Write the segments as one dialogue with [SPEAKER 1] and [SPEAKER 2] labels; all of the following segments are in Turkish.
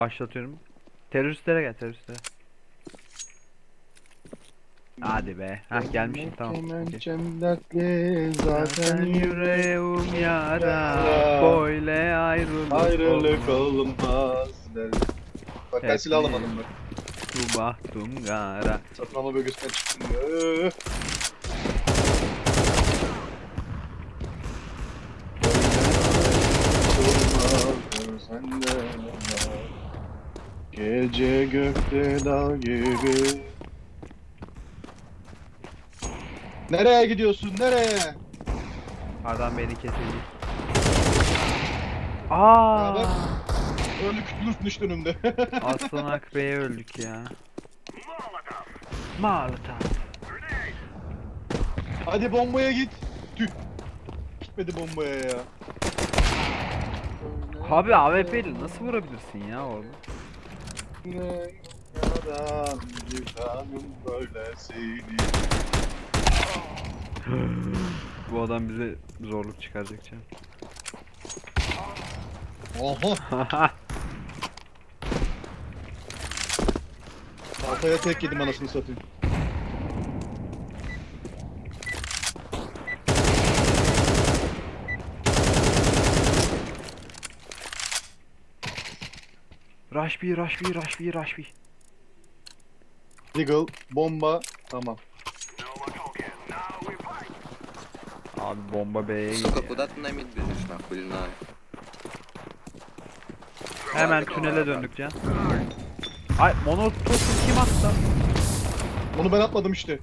[SPEAKER 1] Başlatıyorum. Teröristlere gel, teröristlere. Hadi be. Hah, gelmişsin, tamam. Okey.
[SPEAKER 2] Kemençem dertli zaten
[SPEAKER 1] Zaten yüreğim yara,
[SPEAKER 2] yara.
[SPEAKER 1] böyle
[SPEAKER 2] Ayrılık
[SPEAKER 1] olmaz.
[SPEAKER 2] olmaz der. Bak ben silah
[SPEAKER 1] Hepimiz
[SPEAKER 2] alamadım bak.
[SPEAKER 1] bu bahtım gara.
[SPEAKER 2] Satın alma bölgesinden çıktım ya. Olmaz senden yana. Gece gökte dağ gibi. Nereye gidiyorsun? Nereye?
[SPEAKER 1] Adam beni kesecek.
[SPEAKER 2] Ya bak,
[SPEAKER 1] Aa!
[SPEAKER 2] öldük kütlüsün işte önümde.
[SPEAKER 1] Aslan Akbey'e öldük ya. Malta.
[SPEAKER 2] Hadi bombaya git. Tüh. Gitmedi bombaya ya.
[SPEAKER 1] Abi AWP'yle nasıl vurabilirsin ya oğlum?
[SPEAKER 2] Ne yaran yıkanım böylesini.
[SPEAKER 1] Bu adam bize zorluk çıkaracak canım.
[SPEAKER 2] Oha. Kafaya tek yedim anasını satayım.
[SPEAKER 1] Rush B, Rush B, Rush B, Rush B.
[SPEAKER 2] Deagle, bomba, tamam.
[SPEAKER 1] Abi bomba B'ye
[SPEAKER 3] Сука,
[SPEAKER 1] gidiyor.
[SPEAKER 3] куда ты на мид бежишь, нахуй, или на...
[SPEAKER 1] Hemen tünele döndük can. Ay, monotopu kim attı?
[SPEAKER 2] Onu ben atmadım işte.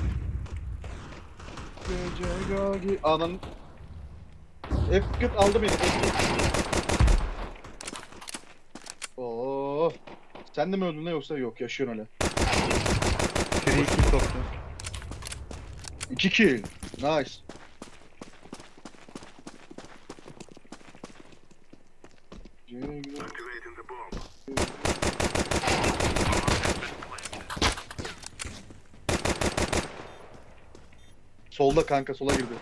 [SPEAKER 2] Gece gagi... Anan... F40 aldı beni. Oo. Sen de mi öldün ne yoksa yok yaşıyorsun hala.
[SPEAKER 1] Free kill soktu.
[SPEAKER 2] 2 kill. Nice. Solda kanka sola girdi.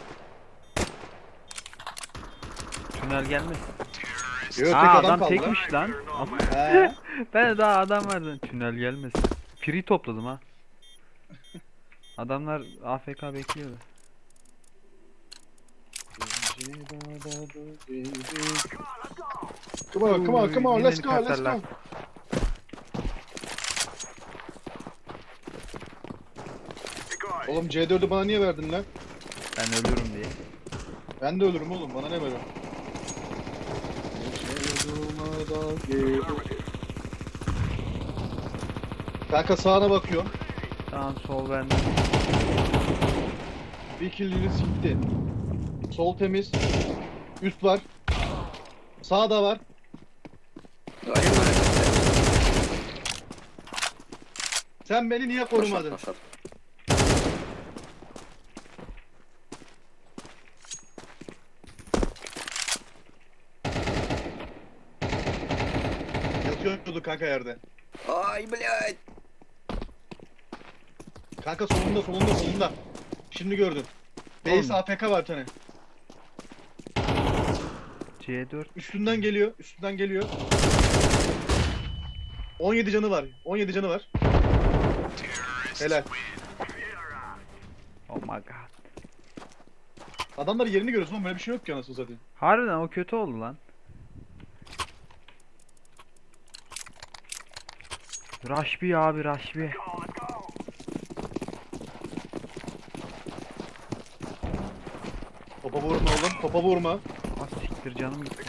[SPEAKER 1] Tünel gelmez.
[SPEAKER 2] Yok tek
[SPEAKER 1] Aa,
[SPEAKER 2] adam
[SPEAKER 1] adam
[SPEAKER 2] kaldı.
[SPEAKER 1] tekmiş lan.
[SPEAKER 2] He.
[SPEAKER 1] Ben de daha adam vardı. Tünel gelmez. Free topladım ha. Adamlar AFK bekliyordu.
[SPEAKER 2] Come on,
[SPEAKER 1] Yine
[SPEAKER 2] let's go, let's
[SPEAKER 1] katarlar.
[SPEAKER 2] go. Oğlum C4'ü bana niye verdin lan?
[SPEAKER 1] Ben ölürüm diye.
[SPEAKER 2] Ben de ölürüm oğlum, bana ne böyle? Kanka sağına bakıyorum.
[SPEAKER 1] Tamam, sol bende.
[SPEAKER 2] Bir killini sikti. Sol temiz. Üst var. Sağda var.
[SPEAKER 3] Говори, Марик.
[SPEAKER 2] Sen beni niye
[SPEAKER 3] Ношот,
[SPEAKER 2] korumadın?
[SPEAKER 3] ношот.
[SPEAKER 2] Yatıyordu kanka yerde.
[SPEAKER 3] Ай, блядь!
[SPEAKER 2] Kanka solunda. Şimdi gördüm. Base
[SPEAKER 1] Oğlum.
[SPEAKER 2] APK var bir tane.
[SPEAKER 1] C4.
[SPEAKER 2] Üstünden geliyor. 17 canı var. 17 canı var. Helal.
[SPEAKER 1] Oh my god.
[SPEAKER 2] Adamların yerini görüyorsun ama böyle bir şey yok ki anasını satayım.
[SPEAKER 1] Harbiden o kötü oldu lan. Rush B abi, Rush B.
[SPEAKER 2] Topa vurma oğlum, topa vurma.
[SPEAKER 1] Ah siktir, canım gitti.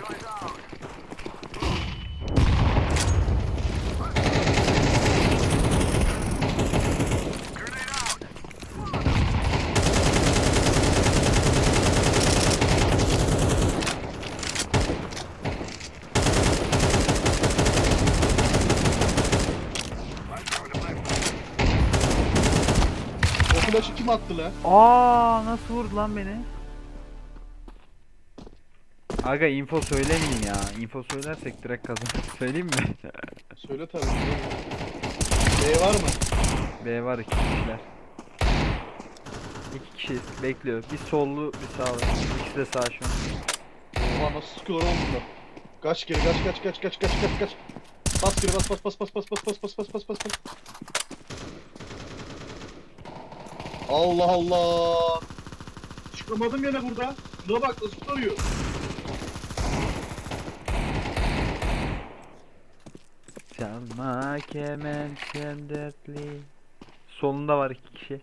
[SPEAKER 2] O flash'ı kim attı lan?
[SPEAKER 1] Aa, nasıl vurdu lan beni? Aga, info söylemeyin ya. Info söylersek direkt kazanırız. Söyleyeyim mi?
[SPEAKER 2] Söyle tabii. B var mı?
[SPEAKER 1] B var, 2 kişiler. 2 kişi bekliyor. Bir sollu, bir sağlı. İkisi de sağ şu an.
[SPEAKER 2] Oha nasıl sıkıyorlar oğlum bunlar? Kaç geri kaç. Bas geri bas bas bas bas bas bas bas bas bas bas bas bas. Allah Allah. Çıkamadım yine burada. Şuna bak nasıl tutuyor.
[SPEAKER 1] Çalma kemençem dertli. Solunda var 2 kişi.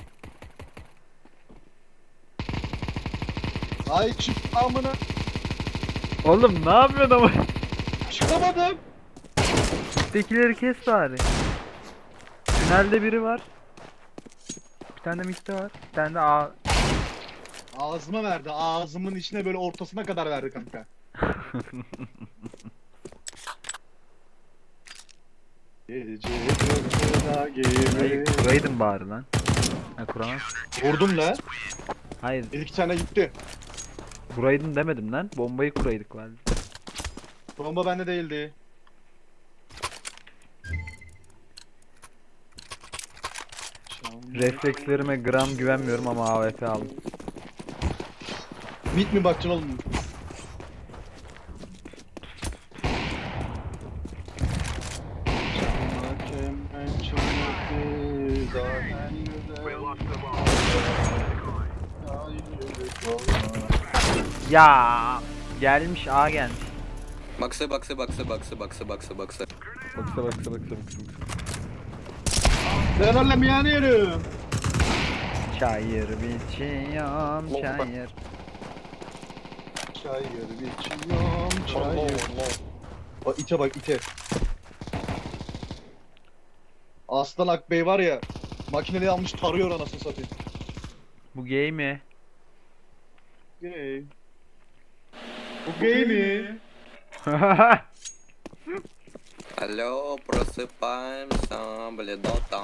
[SPEAKER 2] Ay çık amına.
[SPEAKER 1] Oğlum ne yapıyorsun ama?
[SPEAKER 2] Çıkamadım.
[SPEAKER 1] Üsttekileri kes bari. Tünelde biri var. Bir tane de mitte var. Bir tane de A.
[SPEAKER 2] Ağzıma verdi. Ağzımın içine böyle ortasına kadar verdi kanka. Gece fırtına
[SPEAKER 1] Hayır
[SPEAKER 2] gibi.
[SPEAKER 1] kuraydın bari lan. Ha kuramaz.
[SPEAKER 2] Vurdum la.
[SPEAKER 1] Hayır
[SPEAKER 2] Bir iki tane gitti.
[SPEAKER 1] kuraydın demedim lan. Bombayı kuraydık var.
[SPEAKER 2] Bomba bende değildi.
[SPEAKER 1] Reflekslerime gram güvenmiyorum ama AWP aldım.
[SPEAKER 2] Mit mi bakacaksın oğlum?
[SPEAKER 1] Ya gelmiş A gelmiş.
[SPEAKER 3] Baksa baksa baksa baksa baksa baksa baksa.
[SPEAKER 1] Baksa.
[SPEAKER 2] Ben öyle yani yerim.
[SPEAKER 1] Çayır biçiyorum çayır.
[SPEAKER 2] Çayır biçiyorum çayır. Bak ite bak ite. Aslan Akbey var ya. Makineli almış tarıyor anasını satayım.
[SPEAKER 1] Bu gay mi?
[SPEAKER 2] Gay. Bu gay mi?
[SPEAKER 3] Алло, просыпаемся, бледота.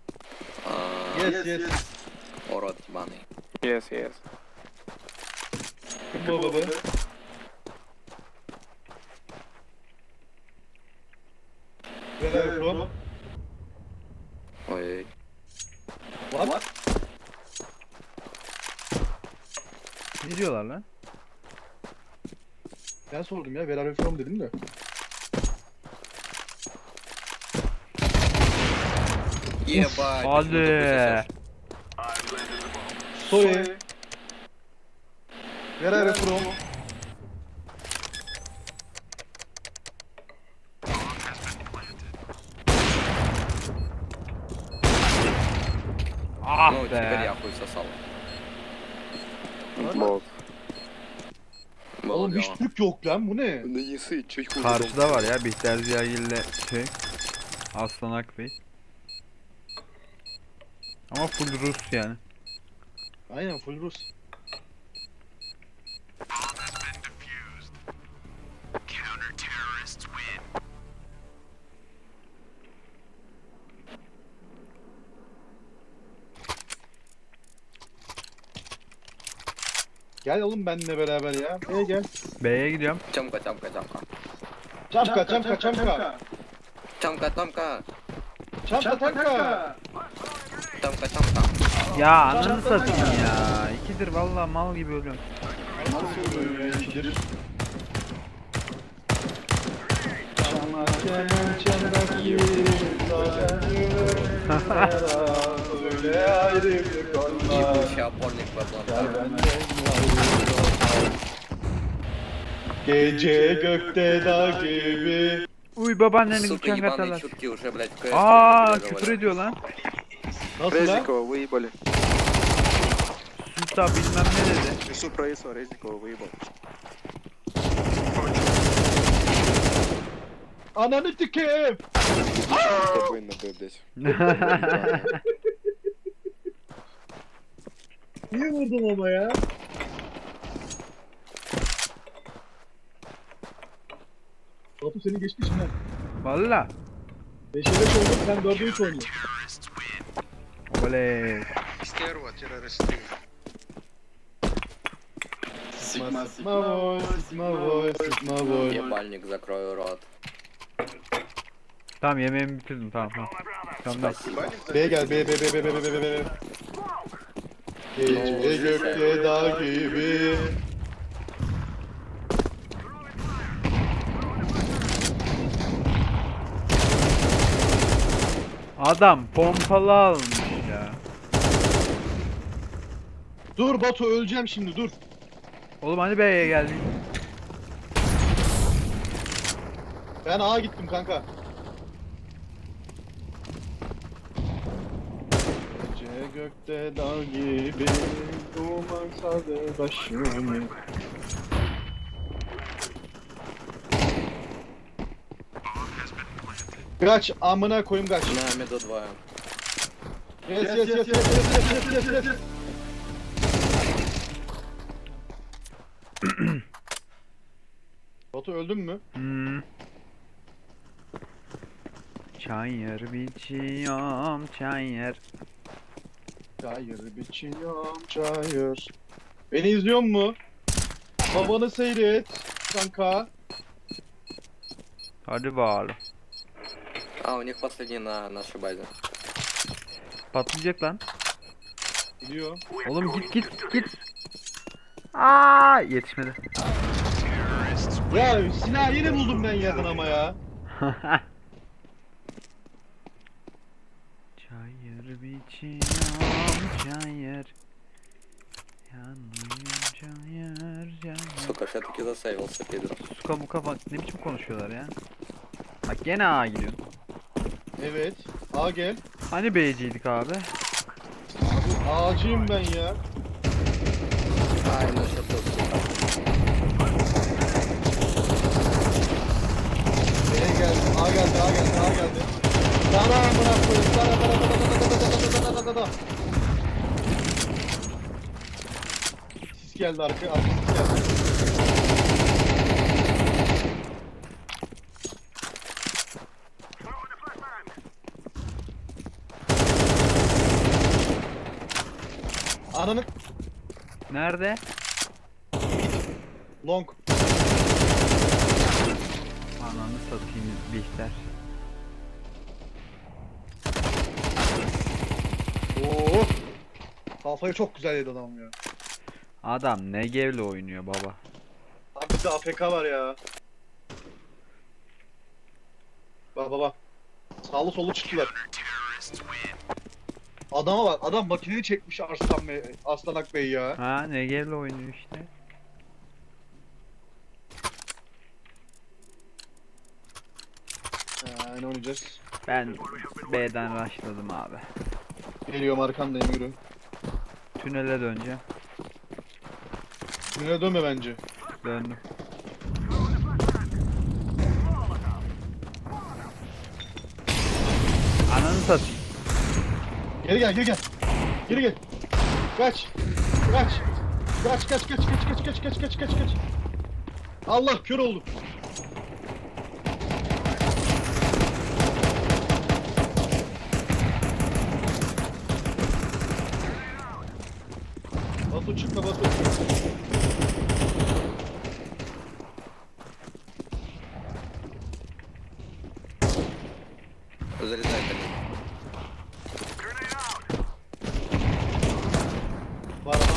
[SPEAKER 2] Yes.
[SPEAKER 3] Урод ебаный.
[SPEAKER 4] Yes.
[SPEAKER 2] Baba. Where are you from?
[SPEAKER 3] Ой,
[SPEAKER 2] What?
[SPEAKER 1] Ne diyorlar lan?
[SPEAKER 2] Ben sordum ya. Where are you from dedim de.
[SPEAKER 3] ебать.
[SPEAKER 1] Hadi.
[SPEAKER 3] почему ты
[SPEAKER 2] Sorry. Where are you from?
[SPEAKER 1] Ah
[SPEAKER 3] Ну, теперь
[SPEAKER 1] be.
[SPEAKER 3] я хуй сосал.
[SPEAKER 4] Бот.
[SPEAKER 3] Было
[SPEAKER 2] Oğlum hiç
[SPEAKER 3] дело.
[SPEAKER 2] Türk yok lan bu ne?
[SPEAKER 4] Да не сыть, чуть хуже.
[SPEAKER 1] Karşıda var ya Bihter Ziyagil'le şey. Aslan Akbey. Ama full Rus yani.
[SPEAKER 2] Aynen full Rus. Gel oğlum benimle beraber ya. Gel.
[SPEAKER 1] B'ye gidiyorum.
[SPEAKER 3] Тёмка, Тёмка, Тёмка.
[SPEAKER 2] Çamka.
[SPEAKER 3] Тёмка, Тёмка.
[SPEAKER 2] Çamka.
[SPEAKER 3] Тёмка, Тёмка.
[SPEAKER 1] Ya ananı satayım ya. İkidir vallahi mal gibi ölüyorum.
[SPEAKER 2] Nasıl oluyor ya ikidir? Çanak kemençeler gibi öyle ayrılık olmaz.
[SPEAKER 3] Ебучий опорник в Атланте.
[SPEAKER 2] Gece gökte dağ gibi.
[SPEAKER 1] Uy babaannenin
[SPEAKER 3] Сука,
[SPEAKER 1] uçan
[SPEAKER 3] ебаные
[SPEAKER 1] katarlar.
[SPEAKER 3] чутки уже, блядь, в CS
[SPEAKER 1] Aa
[SPEAKER 3] не
[SPEAKER 1] küfür
[SPEAKER 3] говорят.
[SPEAKER 1] ediyor lan.
[SPEAKER 2] Nasıl lan?
[SPEAKER 4] Резникова выебали.
[SPEAKER 1] Süta bilmem ne dedi.
[SPEAKER 4] Несу про ИСО, Резникова выебал.
[SPEAKER 2] Ananı tikeyim.
[SPEAKER 4] Спокойно, блядь.
[SPEAKER 2] Niye vurdum ama ya? Batu seni geçmişim lan.
[SPEAKER 1] Valla.
[SPEAKER 2] 5'e 5 olduk sen 4'e 3 oynuyorsun.
[SPEAKER 1] Oley.
[SPEAKER 4] Стерва, террористы.
[SPEAKER 2] Sigma boy.
[SPEAKER 3] Ебальник, закрой рот.
[SPEAKER 1] Tamam yemeğimi bitirdim tamam. Tamam.
[SPEAKER 2] B'ye gel B. Gece gökte dağ gibi.
[SPEAKER 1] Adam pompalı almış ya.
[SPEAKER 2] Dur Batu, öleceğim şimdi, dur.
[SPEAKER 1] Oğlum hani B'ye geldik.
[SPEAKER 2] Ben A'ya gittim kanka. Gece gökte dağ gibi duman sardı başımı. Kaç amına koyayım, kaç.
[SPEAKER 3] На меду 2.
[SPEAKER 2] Yes. Batu öldün mü?
[SPEAKER 1] Hmm. Çayır biçiyorum çayır.
[SPEAKER 2] Çayır biçiyorum çayır. Beni izliyor mu? Babanı seyret kanka.
[SPEAKER 1] Hadi bakalım.
[SPEAKER 3] А, у них последний на нашей базе.
[SPEAKER 1] Patlayacak lan.
[SPEAKER 2] Gidiyor.
[SPEAKER 1] Oğlum git. Aa yetişmedi.
[SPEAKER 2] Ya silah yeni buldum ben yakın ama ya.
[SPEAKER 1] Çayır biçiyorum çayır. Yanıyor çayır.
[SPEAKER 3] Сука, ж я таки засейвился, пидор.
[SPEAKER 1] Suka muka bak ne biçim konuşuyorlar ya. Bak gene A gidiyor.
[SPEAKER 2] Evet. A gel.
[SPEAKER 1] Hani B'ciydik abi?
[SPEAKER 2] A'cıyım ben ya.
[SPEAKER 3] Ай, ну что тут, сука.
[SPEAKER 2] B'ye geldi. A geldi. Sana bırak koyayım. Sana. Sis geldi arka sis geldi. Ananı
[SPEAKER 1] Nerede?
[SPEAKER 2] long.
[SPEAKER 1] Ananı satayım Bihter.
[SPEAKER 2] Oo. Kafayı çok güzel yedi adam ya.
[SPEAKER 1] Adam ne gevle oynuyor baba.
[SPEAKER 2] Abi bir de AFK var ya. Bak. Sağlı sollu çıktılar. Adama bak, adam makineyi çekmiş Arslanak Bey ya.
[SPEAKER 1] Ha ne gevle oynuyor işte.
[SPEAKER 2] Ne oynayacağız?
[SPEAKER 1] Ben B'den rushladım abi.
[SPEAKER 2] Geliyorum, arkandayım, yürü.
[SPEAKER 1] Tünele döneceğim.
[SPEAKER 2] Tünele dönme bence.
[SPEAKER 1] Döndüm. Ananı satayım.
[SPEAKER 2] Geri gel. Kaç. Allah, kör oldum. Batu çıkma Batu.
[SPEAKER 3] Зарезай, блин.
[SPEAKER 2] Var adam.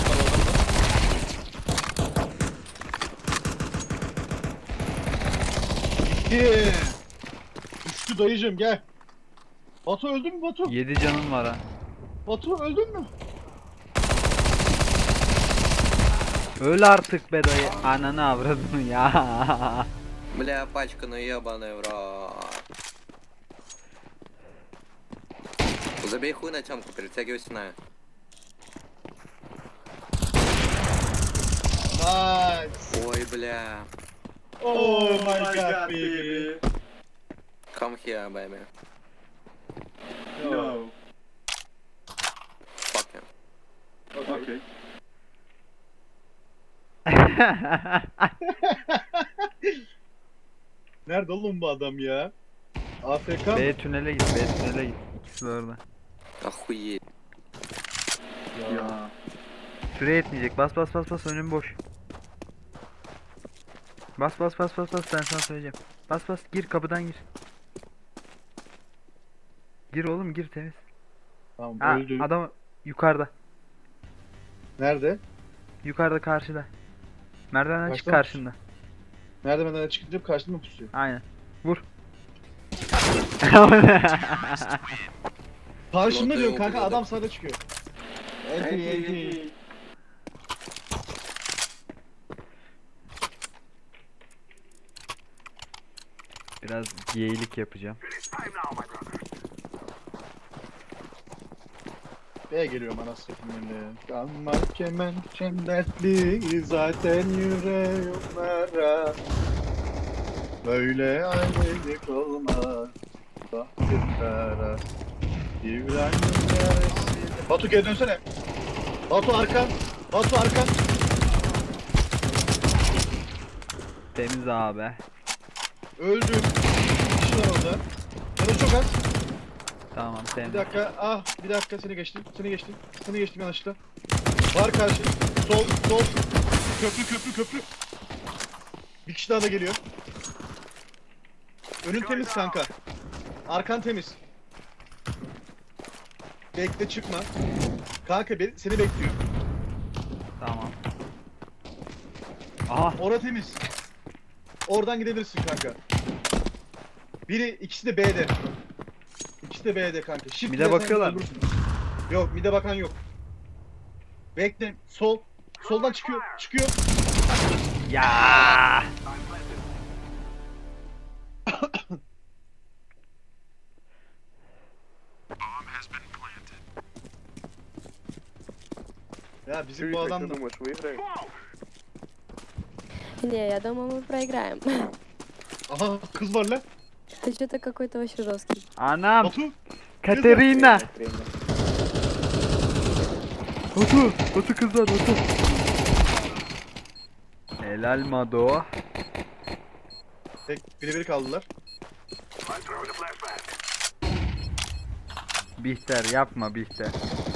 [SPEAKER 2] Gitti. Düştü dayıcım, gel. Batu öldün mü Batu?
[SPEAKER 1] 7 canım var ha.
[SPEAKER 2] Batu öldün mü?
[SPEAKER 1] Öl artık be dayı. Ananı avradını ya.
[SPEAKER 3] Бля, пачка, ну ебаный в рот. Забей хуй на темку, перетягивай стена.
[SPEAKER 2] Nice.
[SPEAKER 3] Ой, бля.
[SPEAKER 2] Oh my god baby.
[SPEAKER 3] Come here, baby.
[SPEAKER 2] No.
[SPEAKER 3] Fuck him.
[SPEAKER 2] Okay. Nerede oğlum bu adam ya? AFK mı?
[SPEAKER 1] B tünele git. İkisi de orada.
[SPEAKER 3] Охуеть.
[SPEAKER 2] Ya.
[SPEAKER 1] Süre yetmeyecek. Bas önüm boş. Bas ben sana söyleyeceğim. Bas gir kapıdan gir. Gir oğlum gir temiz.
[SPEAKER 2] Tamam,
[SPEAKER 1] Ha
[SPEAKER 2] öldü.
[SPEAKER 1] adam yukarıda.
[SPEAKER 2] Nerede?
[SPEAKER 1] Yukarıda karşıda. Merdivenden çık
[SPEAKER 2] Kaçta?
[SPEAKER 1] karşında.
[SPEAKER 2] Merdivenden çıkınca karşıma mı pusuyor?
[SPEAKER 1] Aynen. Vur.
[SPEAKER 2] Karşımda
[SPEAKER 3] Notayı
[SPEAKER 2] diyorum kanka,
[SPEAKER 3] okudum.
[SPEAKER 2] adam sağda çıkıyor. Enti.
[SPEAKER 1] Biraz geylik yapacağım.
[SPEAKER 2] B'ye geliyorum anasını satayım. Kanmak kemençem dertli zaten yüreğimlere. Böyle ayrılık olmaz bahtımlara. İbrahim yarısı. Batu geri dönsene. Batu arkan. Batu arkan.
[SPEAKER 1] Temiz abi.
[SPEAKER 2] Öldüm. Bir kişi var orada. Canı çok az.
[SPEAKER 1] Tamam
[SPEAKER 2] Bir
[SPEAKER 1] temiz.
[SPEAKER 2] dakika. Ah bir dakika, seni geçtim. Seni geçtim. Seni geçtim yanlışlıkla. Var karşı. Sol sol. Köprü. Bir kişi daha da geliyor. Önün temiz kanka. Arkan temiz. Bekle, çıkma. Kanka seni bekliyor.
[SPEAKER 1] Tamam. Aha.
[SPEAKER 2] Ora temiz. Oradan gidebilirsin kanka. İkisi de B'de. İkisi de B'de kanka. Shift
[SPEAKER 1] Mide
[SPEAKER 2] dersen
[SPEAKER 1] bakıyorlar mı?
[SPEAKER 2] öldürürsün. Yok, mide bakan yok. Bekle. Sol. Soldan çıkıyor. Çıkıyor.
[SPEAKER 1] Ya.
[SPEAKER 2] Ya bizim
[SPEAKER 4] Чё,
[SPEAKER 2] bu
[SPEAKER 4] как
[SPEAKER 2] adam
[SPEAKER 4] ты
[SPEAKER 2] da...
[SPEAKER 4] думаешь, выиграем?
[SPEAKER 5] Не, я думаю, мы проиграем.
[SPEAKER 2] Aha kız var lan.
[SPEAKER 5] Ты что-то какой-то очень жесткий.
[SPEAKER 1] Anam.
[SPEAKER 2] Batu.
[SPEAKER 1] Katerina.
[SPEAKER 4] Тренер.
[SPEAKER 1] Batu kızlar Batu. Helal Mado.
[SPEAKER 2] Tek biri kaldılar.
[SPEAKER 1] Bihter yapma Bihter.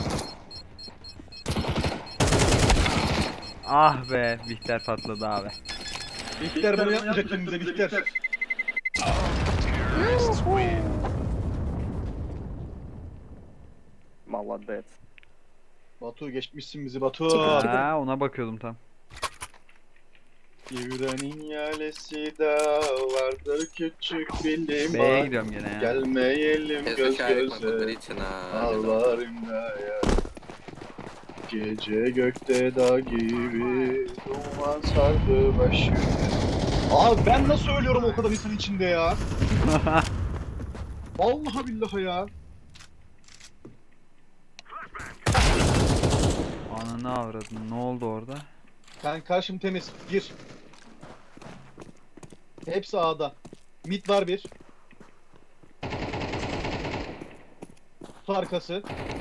[SPEAKER 1] Ah be Bihter patladı abi.
[SPEAKER 2] Bihter bunu yapmayacak kendimize, Bihter.
[SPEAKER 4] Молодец.
[SPEAKER 2] Batu geçmişsin bizi Batu.
[SPEAKER 1] Ha, ona bakıyordum tam.
[SPEAKER 2] Yüreğin yalesi de vardır küçük bir
[SPEAKER 1] B'ye
[SPEAKER 2] liman.
[SPEAKER 1] gidiyorum gene ya.
[SPEAKER 2] Gelmeyelim
[SPEAKER 3] Если
[SPEAKER 2] göz
[SPEAKER 3] шарик мы
[SPEAKER 2] göze.
[SPEAKER 3] подарите на...
[SPEAKER 2] Ağlarım da ya. Gece gökte dağ gibi duman sardı başımı. Abi ben nasıl ölüyorum o kadar insan içinde ya? Vallahi billahi ya.
[SPEAKER 1] Ananı avradın. Ne oldu orada?
[SPEAKER 2] Ben karşım temiz. Gir. Hepsi A'da. Mid var bir. Kutu arkası.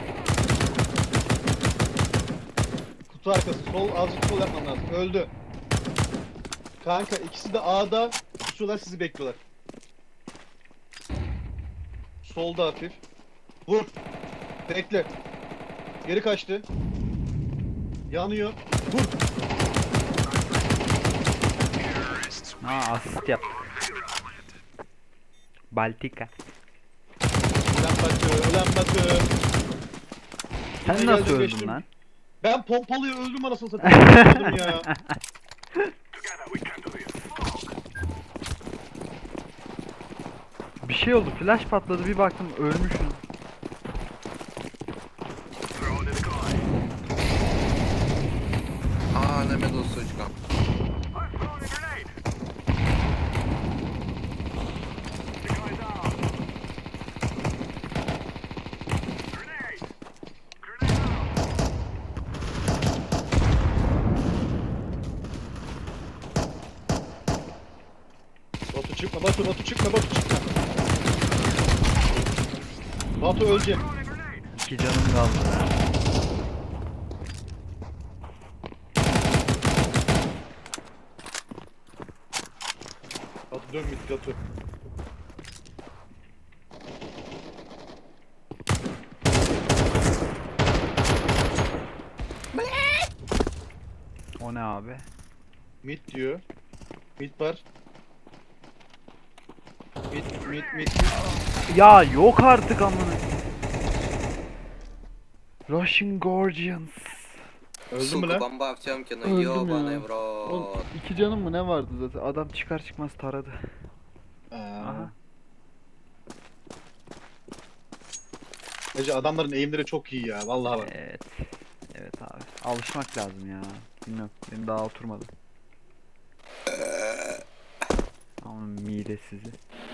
[SPEAKER 2] Kutu arkası. Sol, azıcık sol yapman lazım. Öldü. Kanka ikisi de A'da. Kusuyorlar, sizi bekliyorlar. Solda hafif. Vur. Bekle. Geri kaçtı. Yanıyor. Vur.
[SPEAKER 1] Ha asist yap. Baltika.
[SPEAKER 2] Ulan Batı.
[SPEAKER 1] Sen
[SPEAKER 2] Yine
[SPEAKER 1] nasıl
[SPEAKER 2] geldim,
[SPEAKER 1] öldün
[SPEAKER 2] geçtim.
[SPEAKER 1] lan?
[SPEAKER 2] Ben pompalıya öldüm anasını satayım. Öldüm ya.
[SPEAKER 1] Bir şey oldu. Flash patladı. Bir baktım ölmüşsün.
[SPEAKER 3] А, на меду, сучка.
[SPEAKER 2] Batu çıkma, Batu çıkma. Batu ölecek.
[SPEAKER 1] 2 canım kaldı.
[SPEAKER 2] Batu dön git Batu.
[SPEAKER 1] O ne abi?
[SPEAKER 2] Mid diyor. Mid var. Mid.
[SPEAKER 1] Ya yok artık amına. Russian Guardians.
[SPEAKER 2] Öldün mü
[SPEAKER 3] Сука,
[SPEAKER 2] lan?
[SPEAKER 3] бомба в Тёмкину,
[SPEAKER 1] Öldüm
[SPEAKER 3] ёбаный
[SPEAKER 1] ya.
[SPEAKER 3] в рот.
[SPEAKER 1] 2 canım mı ne vardı zaten? Adam çıkar çıkmaz taradı.
[SPEAKER 2] Aa.
[SPEAKER 1] Aha.
[SPEAKER 2] Hacı adamların eğimleri çok iyi ya. Vallahi bak.
[SPEAKER 1] Evet. Evet abi. Alışmak lazım ya. Bilmiyorum. Benim daha oturmadı. Ama mide sizi.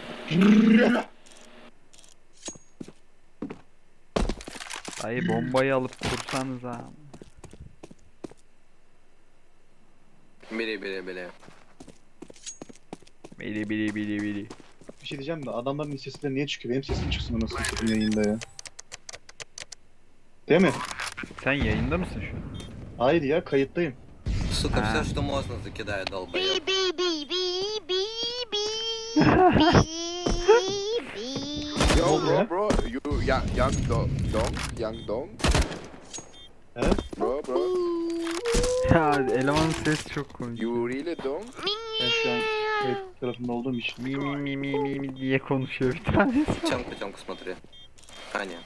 [SPEAKER 1] Dayı bombayı alıp kursanız ha.
[SPEAKER 3] Biri biri biri.
[SPEAKER 1] Bili bili bili bili.
[SPEAKER 2] Bir şey diyeceğim de adamların sesleri niye çıkıyor? Benim sesim çıksın nasıl satayım yayında ya. Değil mi?
[SPEAKER 1] Sen yayında mısın şu an?
[SPEAKER 2] Hayır ya kayıttayım.
[SPEAKER 3] Сука,
[SPEAKER 1] А.
[SPEAKER 3] все, что можно, закидает долбоёб.
[SPEAKER 4] Yo,
[SPEAKER 2] Yeah.
[SPEAKER 4] bro, you young dong.
[SPEAKER 2] He?
[SPEAKER 4] Bro,
[SPEAKER 1] Ya elemanın sesi çok komik.
[SPEAKER 4] you really dong?
[SPEAKER 2] Ben şu an kayıt tarafında olduğum için.
[SPEAKER 1] Mi mi mi mi mi mi diye konuşuyor bir tanesi.
[SPEAKER 3] Темку, темку смотри. А, нет.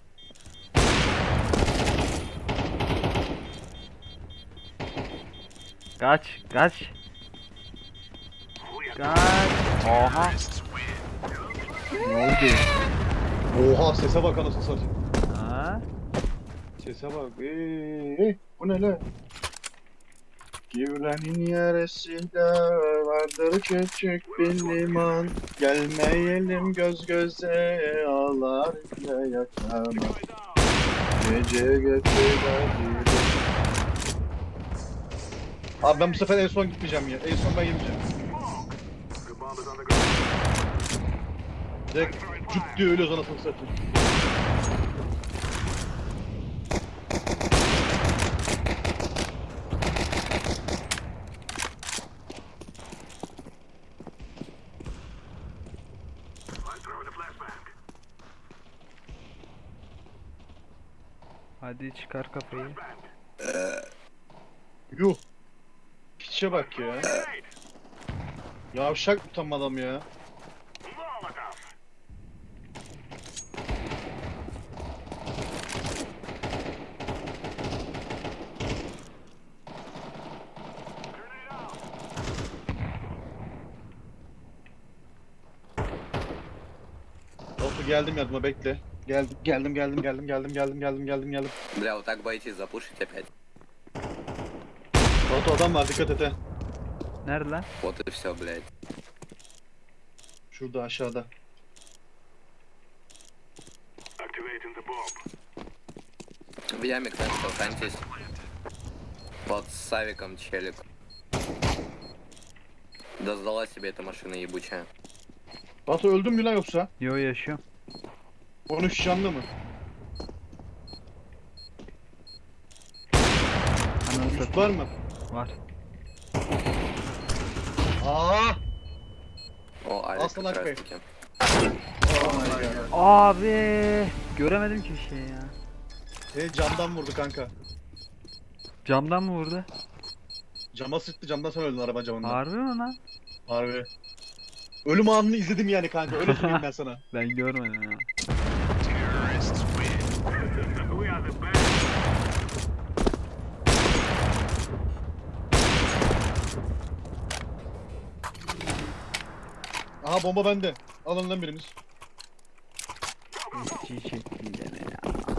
[SPEAKER 1] Kaç kaç. Kaç. Oha.
[SPEAKER 2] Ne oldu? Oha sese bak anasını satayım.
[SPEAKER 1] Ha?
[SPEAKER 2] Sese bak. Bu ne lan? Güvrenin yarısında vardır küçük bir liman. Gelmeyelim göz göze ağlar ile yakama. Gece getirelim. Abi ben bu sefer en son gitmeyeceğim ya. En son ben gideceğim. Direkt cüt diye ölüyoruz anasını satayım.
[SPEAKER 1] Hadi çıkar kafayı.
[SPEAKER 2] Yuh. Piçe bak ya. Yavşak utanma adam ya. Dostum geldim yardıma bekle. Geldim.
[SPEAKER 3] Бля, вот так боитесь запушить опять.
[SPEAKER 2] Batu adam var dikkat et he.
[SPEAKER 1] Nerede lan?
[SPEAKER 3] Вот и все, блядь.
[SPEAKER 2] Şurada aşağıda.
[SPEAKER 3] В яме кто-нибудь останьтесь. Вот с Савиком челик. Да сдала себе эта машина ебучая.
[SPEAKER 2] Batu öldün mü lan yoksa?
[SPEAKER 1] Yo yaşıyorum.
[SPEAKER 2] 13 canlı mı?
[SPEAKER 1] Ananı
[SPEAKER 2] Üst
[SPEAKER 1] satayım.
[SPEAKER 2] var mı?
[SPEAKER 1] Var.
[SPEAKER 2] Aa!
[SPEAKER 3] О, Алик
[SPEAKER 2] Aslan
[SPEAKER 3] как раз
[SPEAKER 2] Akbey.
[SPEAKER 3] таки.
[SPEAKER 2] Oh my god.
[SPEAKER 1] Abi göremedim ki bir şey ya.
[SPEAKER 2] Seni camdan vurdu kanka.
[SPEAKER 1] Camdan mı vurdu?
[SPEAKER 2] Cama sıktı camdan sen öldün araba camından.
[SPEAKER 1] Harbi mi lan?
[SPEAKER 2] Harbi. Ölüm anını izledim yani kanka öyle söyleyeyim ben sana.
[SPEAKER 1] Ben görmedim ya.
[SPEAKER 2] Aha bomba bende. Alın lan biriniz.
[SPEAKER 1] Çiğ çekti gene ya.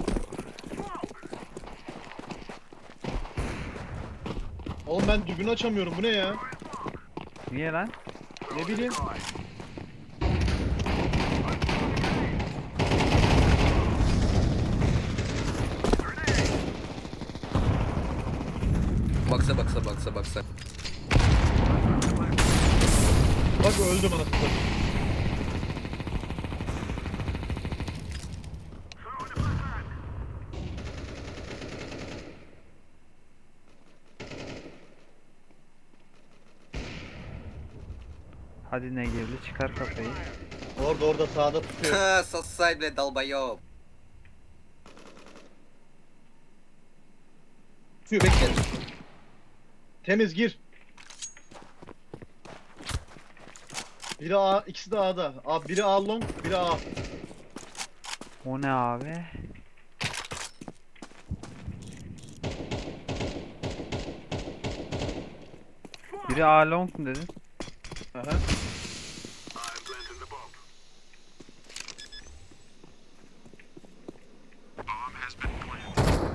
[SPEAKER 2] Oğlum ben dürbünü açamıyorum bu ne ya?
[SPEAKER 1] Niye lan?
[SPEAKER 2] Ne bileyim.
[SPEAKER 3] Бокса, бокса, бокса, бокса.
[SPEAKER 2] Bak öldüm anasını satayım.
[SPEAKER 1] Hadi ne girdi çıkar kafayı.
[SPEAKER 2] Orada sağda tutuyor.
[SPEAKER 3] Ха, сосай, блядь, долбоёб.
[SPEAKER 2] Tutuyor bekle. Temiz gir. Biri A, ikisi de A'da. Biri A long, biri A.
[SPEAKER 1] O ne abi? Biri A long mu dedin?
[SPEAKER 2] Aha.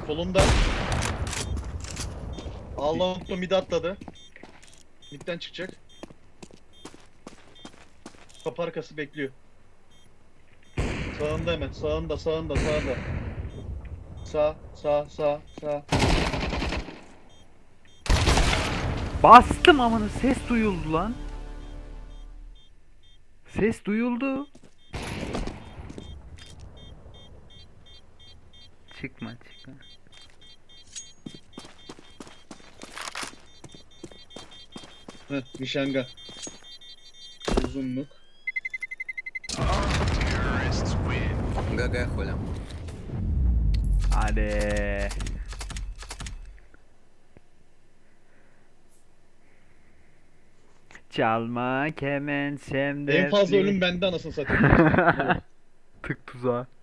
[SPEAKER 2] Solunda. Allah'ım mid atladı. Midden çıkacak. Kapı arkası bekliyor. Sağında hemen. Sağında. Sağ.
[SPEAKER 1] Bastım amına, ses duyuldu lan. Ses duyuldu. Çıkma.
[SPEAKER 2] Heh, nişanga. Uzunluk.
[SPEAKER 3] ГГ, хуля.
[SPEAKER 1] Hadi. Çalma kemençemde.
[SPEAKER 2] En fazla ölüm bende anasını satayım.
[SPEAKER 1] Tık tuzağa.